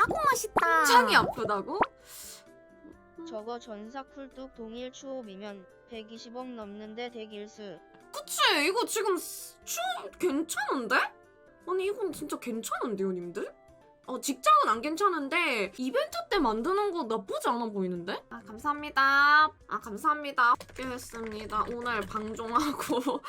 아고 맛있다. 창이 아프다고? 저거 전사 쿨뚝 동일 추업이면 120억 넘는데 대길수. 그치 이거 지금 괜찮은데? 아니 이건 진짜 괜찮은데요 님들? 직장은 안 괜찮은데 이벤트 때 만드는 거 나쁘지 않아 보이는데? 아 감사합니다. 아 감사합니다. 했습니다. 오늘 방종하고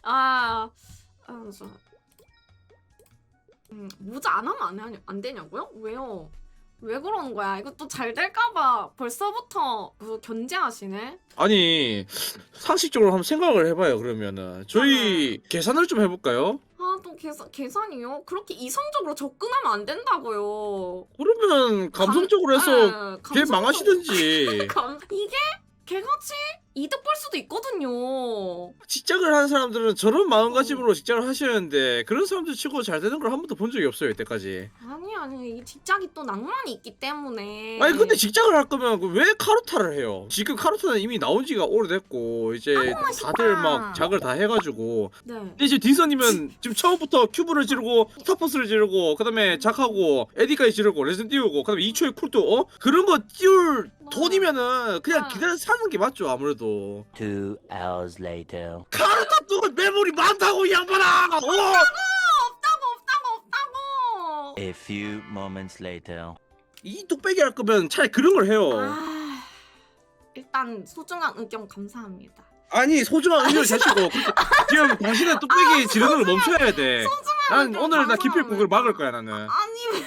모자 안 하면 안 되냐고요? 왜요? 왜 그러는 거야? 이거 또 잘 될까봐 벌써부터 견제하시네? 아니 상식적으로 한번 생각을 해봐요. 그러면은 저희 계산을 좀 해볼까요? 또 계산이요? 그렇게 이성적으로 접근하면 안 된다고요. 그러면 감성적으로 해서 걔 감성적- 망하시든지. 이게 개같이 이득 볼 수도 있거든요. 직장을 하는 사람들은 저런 마음가짐으로 직장을 하시는데 그런 사람들 치고 잘 되는 걸 한 번도 본 적이 없어요 이때까지. 아니 이 직장이 또 낭만이 있기 때문에. 아니 근데 직장을 할 거면 왜 카르타를 해요? 지금 카르타는 이미 나온 지가 오래됐고 이제 맛있다. 다들 막 작을 다 해가지고. 네. 근데 이제 딘서님은 지금 처음부터 큐브를 지르고 스타퍼스를 지르고 그다음에 작하고 에디까지 지르고 레슨 띄우고 그다음에 2초의 쿨도 그런 거 띄울 돈이면은 그냥 기다려 사는 게 맞죠 아무래도. 2 hours later. 카르타 또 메모리 많다고 이 양반아. 없다고. A few moments later. 이 뚝배기 할 거면 차라리 그런 걸 해요. 일단 소중한 의견 감사합니다. 아니 소중한 의견을 자시고 지금 당신은 뚝배기 지르는 걸 멈춰야 돼. 난 의견 오늘 나 기필코 그걸 감사합니다. 막을 거야 나는. 아니 왜?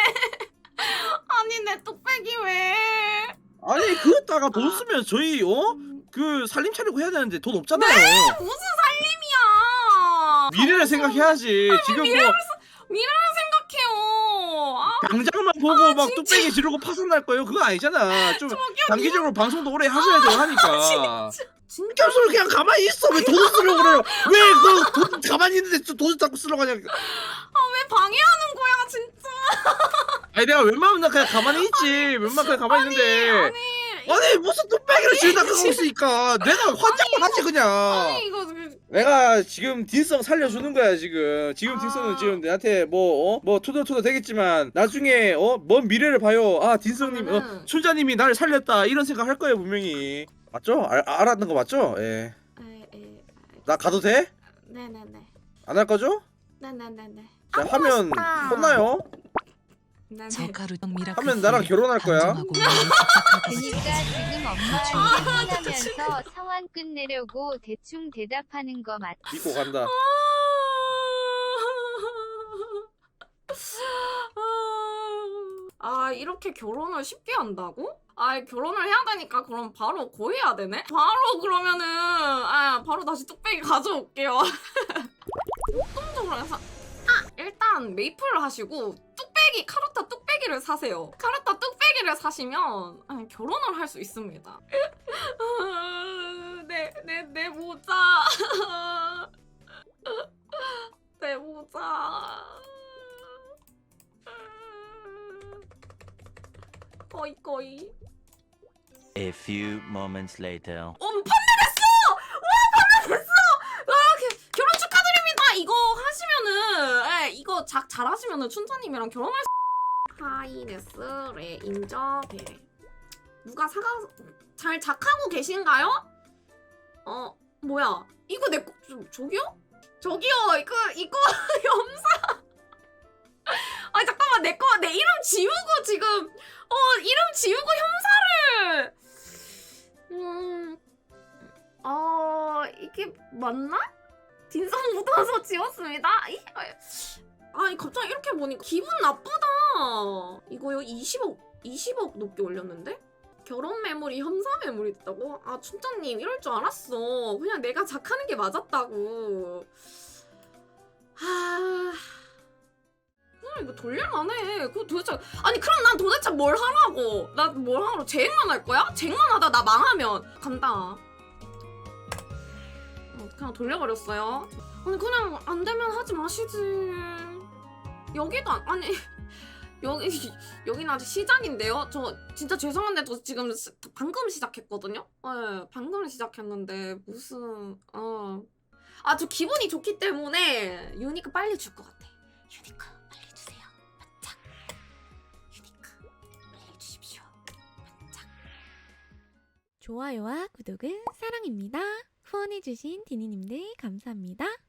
아니 내 뚝배기 왜? 아니 그거다가 돈 쓰면 저희 그 살림 차리고 해야 되는데 돈 없잖아요. 무슨 살림이야? 미래를 생각해야지. 지금 뭐 미래를 생각해요. 당장만 보고 막 뚝배기 지르고 파산 날 거예요. 그거 아니잖아. 좀 단기적으로 방송도 오래 하셔야 되고 하니까. 진짜 겹수를 그냥 가만히 있어. 왜 돈을 쓰려고 그래요? 왜 그 돈 가만히 있는데 돈을 자꾸 쓰려고 하냐. 왜 방해하는 거야 진짜? 아니 내가 웬만하면 나 그냥 가만히 있지. 웬만하면 그냥 가만히 있는데. 아니 무슨 뚝배기를 지르다 그러고 있으니까 내가 환장을 하지 그냥. 아니 이거 내가 지금 딘성 살려주는 거야 지금. 딘성은 지금 내한테 뭐 투덜투덜 되겠지만 나중에 먼 미래를 봐요. 아 딘성님 춘자님이 나를 살렸다 이런 생각 할 거예요 분명히. 맞죠? 알았는 거 맞죠? 예. 나 가도 돼? 네네네. 안 할 거죠? 네네네네. 자 하면 맛있다. 혼나요? 네네. 저가루떡 미라클 하면 나랑 결혼할 거야. 방종하고 그니까 지금 엄마 퇴근하면서 상황 끝내려고 대충 대답하는 거 맞지? 믿고 간다. 이렇게 결혼을 쉽게 한다고? 결혼을 해야 되니까 그럼 바로 고해야 되네? 바로 그러면은 바로 다시 뚝배기 가져올게요. 역동적으로 해서 일단 메이플을 하시고 카르타 뚝배기를 사세요. 카르타 뚝배기를 사시면 결혼을 할 수 있습니다. 내 모자. 내 모자. 거의. A few moments later. 판매됐어! 와 판매됐어! 결혼 축하드립니다. 이거 하시면은 이거 잘하시면은 춘자님이랑 결혼할 수. 하이네스 레인저 베레. 누가 잘 작하고 계신가요? 뭐야? 이거 내 거 저기요? 이거 염사. 잠깐만 내 이름 지우고 지금 이름 지우고 염사를 이게 맞나? 딘성 묻어서 지웠습니다. 갑자기 이렇게 보니까 기분 나쁘다. 이거요 20억 높게 올렸는데? 결혼 매물이 염사 매물이 됐다고? 춘자님 이럴 줄 알았어. 그냥 내가 작하는 게 맞았다고. 이거 돌릴만해. 그럼 난 도대체 뭘 하라고? 나 뭘 하라고? 쟁만 할 거야? 쟁만 하다 나 망하면 간다. 그냥 돌려버렸어요. 아니 그냥 안 되면 하지 마시지. 여기도 여기는 아직 시작인데요. 저 진짜 죄송한데 저 지금 방금 시작했거든요. 방금 시작했는데 무슨 저 기분이 좋기 때문에 유니크 빨리 줄 것 같아. 유니크 빨리 주세요. 바짝. 유니크. 좋아요와 구독은 사랑입니다. 후원해주신 디니님들 감사합니다.